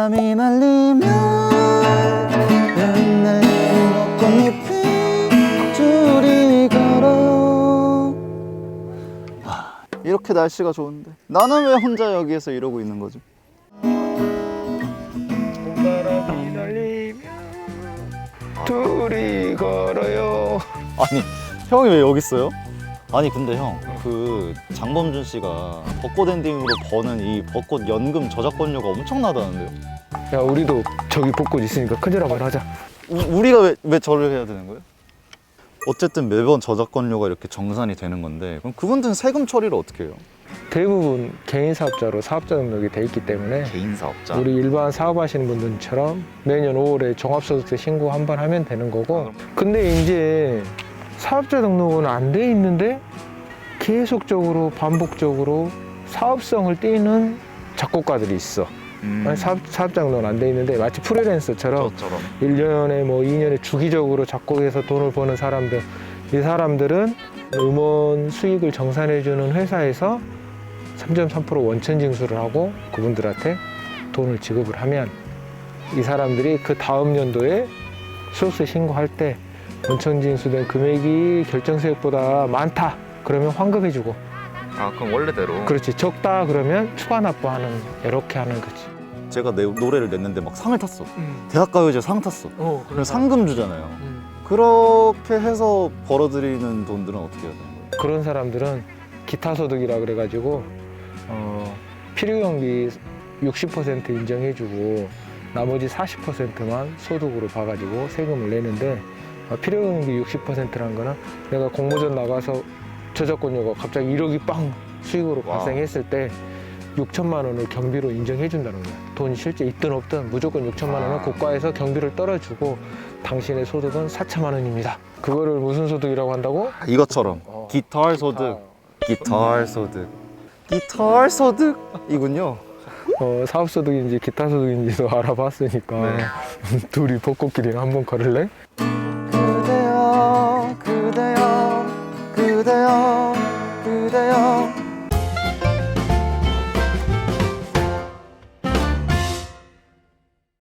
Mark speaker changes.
Speaker 1: 바람이 날리며 흩날리는 벚꽃잎이 둘이 걸어요. 이렇게 날씨가 좋은데 나는 왜 혼자 여기에서 이러고 있는 거지?
Speaker 2: 바람이 날리며 둘이 걸어요.
Speaker 1: 아니 형이 왜 여기 있어요? 아니 근데 형 그 장범준 씨가 벚꽃 엔딩으로 버는 이 벚꽃 연금 저작권료가 엄청나다는데요?
Speaker 2: 야, 우리도 저기 벚꽃 있으니까 큰절 한번 하자.
Speaker 1: 우리가 왜 절을 해야 되는 거예요? 어쨌든 매번 저작권료가 이렇게 정산이 되는 건데 그럼 그분들은 세금 처리를 어떻게 해요?
Speaker 2: 대부분 개인 사업자로 사업자 등록이 돼 있기 때문에
Speaker 1: 개인 사업자?
Speaker 2: 우리 일반 사업하시는 분들처럼 매년 5월에 종합소득세 신고 한 번 하면 되는 거고, 근데 이제 사업자 등록은 안 돼 있는데 계속적으로 반복적으로 사업성을 띠는 작곡가들이 있어. 사업자 등록은 안 돼 있는데 마치 프리랜서처럼
Speaker 1: 저처럼
Speaker 2: 1년에 뭐 2년에 주기적으로 작곡해서 돈을 버는 사람들, 이 사람들은 음원 수익을 정산해주는 회사에서 3.3% 원천 징수를 하고 그분들한테 돈을 지급을 하면 이 사람들이 그 다음 연도에 소득세 신고할 때 원천 징수된 금액이 결정세액보다 많다 그러면 환급해주고,
Speaker 1: 아 그럼 원래대로
Speaker 2: 그렇지, 적다 그러면 추가 납부하는, 이렇게 하는 거지.
Speaker 1: 제가 노래를 냈는데 막 상을 탔어. 대학가요제 상 탔어. 그럼 상금 주잖아요. 그렇게 해서 벌어들이는 돈들은 어떻게 해야 되는 거예요?
Speaker 2: 그런 사람들은 기타 소득이라 그래가지고 필요경비 60% 인정해주고 나머지 40%만 소득으로 봐가지고 세금을 내는데, 필요경비 60%란 거는 내가 공모전 나가서 저작권료가 갑자기 1억이 빵 수익으로 발생했을 때 6천만 원을 경비로 인정해 준다는 거야. 돈이 실제 있든 없든 무조건 6천만 원은 국가에서 경비를 떨어주고 당신의 소득은 4천만 원입니다. 그거를 무슨 소득이라고 한다고?
Speaker 1: 이것처럼 기타 소득, 기타 소득, 기타 소득이군요.
Speaker 2: 사업소득인지 기타 소득인지도 알아봤으니까
Speaker 1: 네.
Speaker 2: 둘이 벚꽃길이나 한번 걸을래?